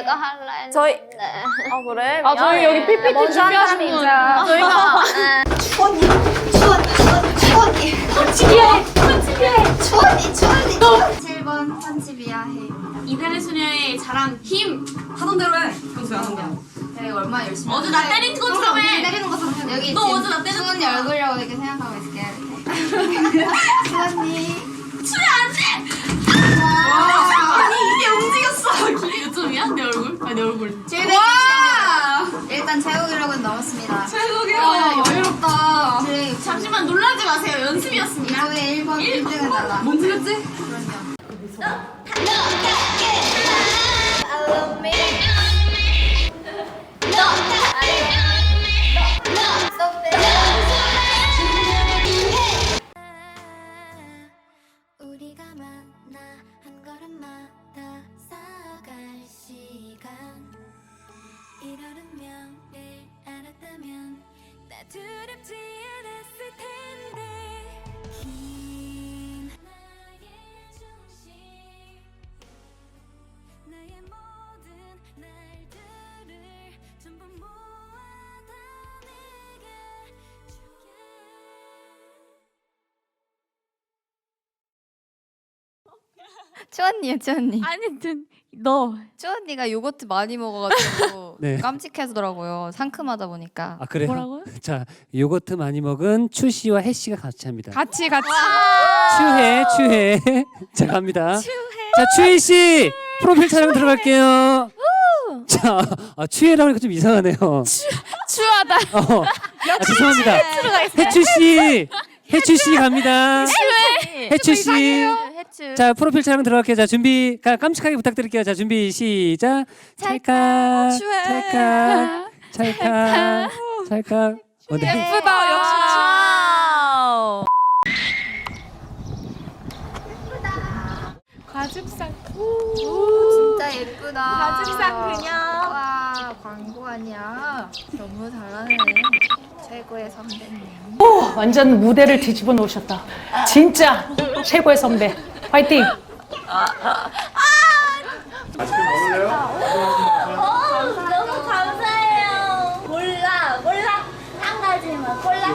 내가 할라 했는데. 저희 아 그래? 아 저희 여기 PPT 준비하신 분 저희가 추원이 추원이 7번 편집이야 해. 이달의 소녀의 자랑 힘 하던 대로 해. 평소에 하던 대로. 내가 얼마나 열심히 어제 나 때린 것처럼 해. 때리는 것처럼 해. 여기 너 어제 나 때린 수원이 얼굴이라고 이렇게 생각하고 있을게. 수원이 추야 안돼. 아니 이게 움직였어. 요즘이야 내 얼굴? 아니 내 얼굴. 일단 최고 기록은 넘었습니다. 최고 여유롭다. 잠시만 놀라지 마세요. 연습이었습니다. 이번에 1번 1등은 달라. 뭔 소리였지? 그럼요. 우리가 만나 한 걸음마다 쌓아갈 시간 이런 운명을 알았다면 나 두렵지 않았을 텐데 긴 나의 중심 나의 모든 날들을 전부 모아다 내게 줄게 추언니요, 추언니. 아니 너 추언니가 요거트 많이 먹어가지고 네. 깜찍해지더라고요. 상큼하다 보니까. 아 그래요? 뭐라고요? 자 요거트 많이 먹은 추 씨와 해 씨가 같이 합니다. 같이 추해. 자 갑니다. 자 추해 씨 프로필 촬영 들어갈게요. 자 추해라고 하니까 좀 이상하네요. 추하다. 죄송합니다. 해추 씨 갑니다. 해추 씨. 해추. 자 프로필 촬영 들어갈게요. 자 준비 깜찍하게 부탁드릴게요. 자 준비 시작. 찰칵 찰칵. 네. 예쁘다 역시 와우. 과즙상. 진짜 예쁘다. 과즙상 그녀. 와 광고 아니야. 너무 잘하네. 최고의 선배님. 완전 무대를 뒤집어 놓으셨다. 진짜 최고의 선배. 화이팅! 너무 감사해요. 몰라. 한 가지만 골라.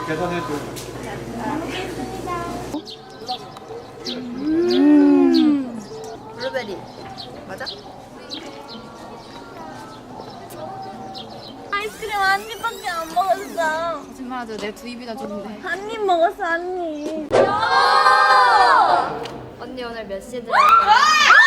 블루베리 맞아? 아이스크림 한 입밖에 안 먹었어. 거짓말하죠. 내 두 입이나 줬는데. 한 입 먹었어, 한 입. 언니 오늘 몇 시에 들어갈 거야?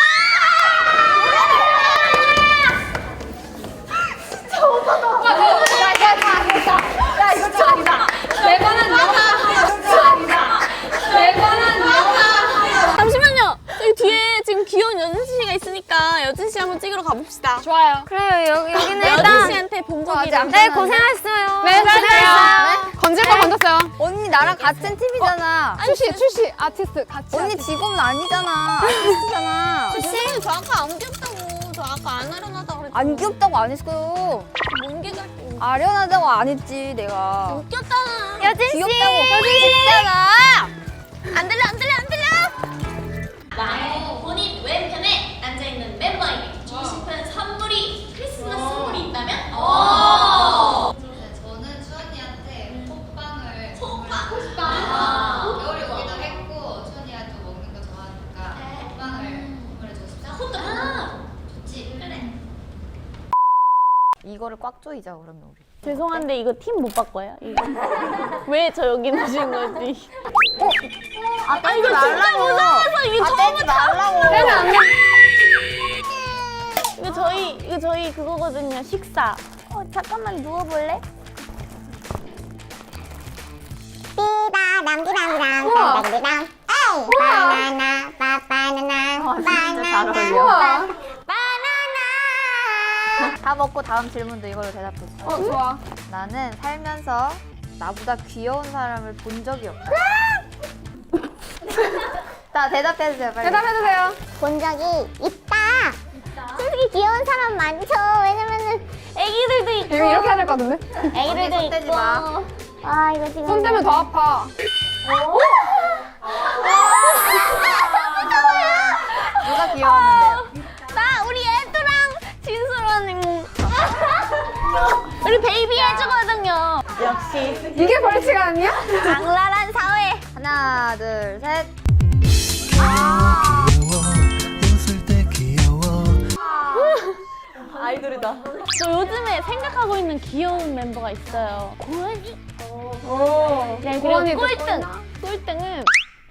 잠시만요. 저기 뒤에 지금 귀여운 여진 씨가 있으니까 여진 씨 한번 찍으러 가봅시다. 좋아요. 그래요. 여기는 여진 씨한테 본 적이랑. 네, 고생하셨어요. 네, 잘했어요. 건질 거 건졌어요. 언니 나랑 같은 팀이잖아. 출시 아티스트 같이. 언니 직업은 아니잖아. 아티스트잖아. 선생님 저 아까 안 귀엽다고. 저 아까 안 아련하다고 그랬죠. 안 귀엽다고 안 했어요. 뭉개가 아련하다고 안 했지 내가. 웃겼잖아. 여진 씨. 귀엽다고. 여진 씨잖아. 안 들려. 나의 본인 왼편에 앉아있는 멤버에게 주고 싶은 선물이 크리스마스 선물이 있다면? 저는 수언니한테 호빵을 호빵. 겨울에 오기도 했고 수언니가 또 먹는 거 좋아하니까 호빵을 선물해주고 싶다. 좋지? 그래. 이거를 꽉 조이자 그러면 우리. 죄송한데 이거 팀 못 바꿔요? 이거 왜 저 여기 놓으신 거지? 아 이거 진짜 무서워서 이게 처음에 말라고. 이거 저희 그거거든요. 식사. 잠깐만 누워볼래? 띠다람디람디람 에이 바나나 바나나 바나나 다 먹고 다음 질문도 이걸로 대답해 줘. 좋아. 나는 살면서 나보다 귀여운 사람을 본 적이 없다. 자 대답해 주세요 빨리. 대답해주세요. 본 적이 있다. 솔직히 귀여운 사람 많죠. 왜냐면은 애기들도 있고 이거 이렇게 해야 될 것 같은데? 애기들도 손 떼지 있고 마. 아 이거 지금 손 떼면 더 아파. 누가 귀여웠는데요? 나 우리 애들랑 진수랑 우리 베이비 해주거든요. 역시 이게 벌칙 아니야? 악랄한 사회. 하나, 둘, 셋. 아이돌이다. 저 요즘에 생각하고 있는 귀여운 멤버가 있어요. 고은이. 네, 그리고 고은이도 꼴등은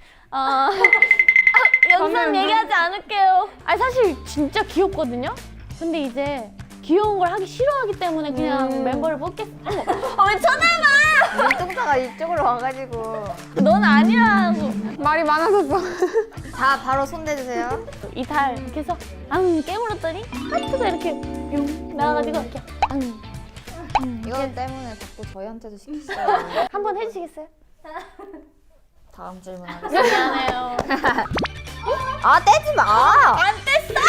영상 얘기하지 않을게요. 아니 사실 진짜 귀엽거든요. 근데 이제 귀여운 걸 하기 싫어하기 때문에 그냥 멤버를 뽑겠어. 왜 쳐다봐? 눈동자가 이쪽으로 와가지고. 넌 아니라고. 말이 많아졌어. 자, 바로 손 대주세요. 이달 이렇게 해서 깨물었더니 하트가 이렇게 뿅 나와가지고 이렇게 이것 때문에 자꾸 저희한테도 시키시더라고요. 한번 해주시겠어요? 다음 질문 하겠습니다. 미안해요. 아, 떼지 마! 안 뗐어!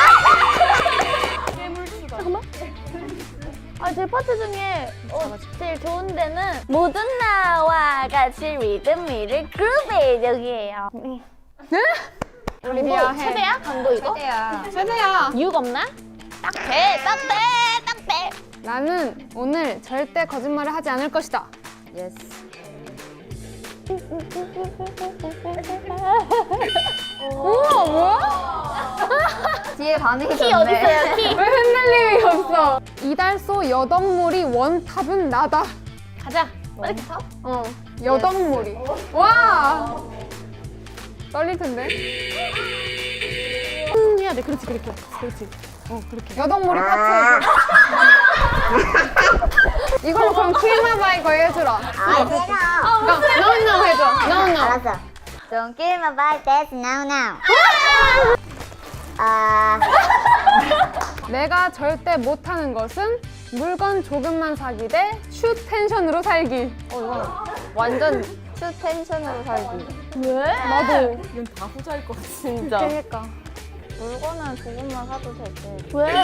잠깐만. 제 파트 중에 제일 좋은 데는 모든 나와 같이 리듬 위를 그룹의 여기에요. 올리비아 해. 세대야? 강도 이거? 떼야. 세대야. 이유가 없나? 딱 돼! 딱 돼! 딱 돼! 나는 오늘 절대 거짓말을 하지 않을 것이다. 예스. 우와, 뭐야? 뒤에 반응이 키 좋네. 어딨어요? 키! 왜 흔들림이 없어? 이달소 여덕물이 원탑은 나다. 가자! 이렇게 타? 여덕물이. 와! 떨릴 텐데. 해야 돼. 그렇지. 그렇게. 여덕물이 파트. 이걸로 그럼 키마바이 거 해주라. 아, 노노 해줘. 노노. 알았어. Don't give me about that now now. 내가 절대 못하는 것은 물건 조금만 사기 대 슈 텐션으로 살기. 이거 완전 추 텐션으로 살기. 왜? 나도. 이건 다 후자일 것 같아. 진짜. 그러니까. 물건은 조금만 사도 되지. 왜?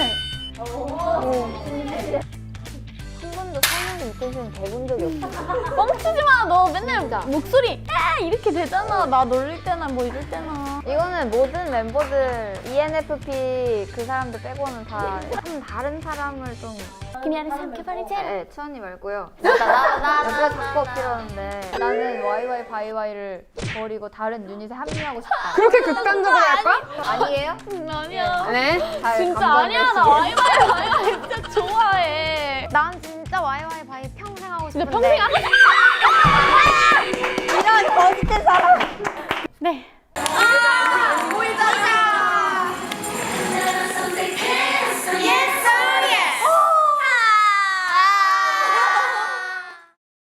한 번도 사는 인텐션 돼본 적이 없어. 뻥치지 마. 너 맨날 목소리 이렇게 되잖아. 나 놀릴 때나 뭐 이럴 때나. 이거는 모든 멤버들 ENFP 그 사람들 빼고는 다 좀 다른 사람을 좀. 그녀를 삼켜버리자. 네, 추언니 말고요. 여기가 자꾸 어필하는데 나는 YY 바이바이를 버리고 다른 유닛에 합류하고 싶다. 그렇게 극단적으로 할 거야? 아니에요? 아니야. 네. 잘 진짜 감정될 아니야. 나 수 와이와이 진짜 좋아해. 난 진짜 YY 바이 평생 하고 근데 싶은데. 평생 안 이런 거짓된 사람.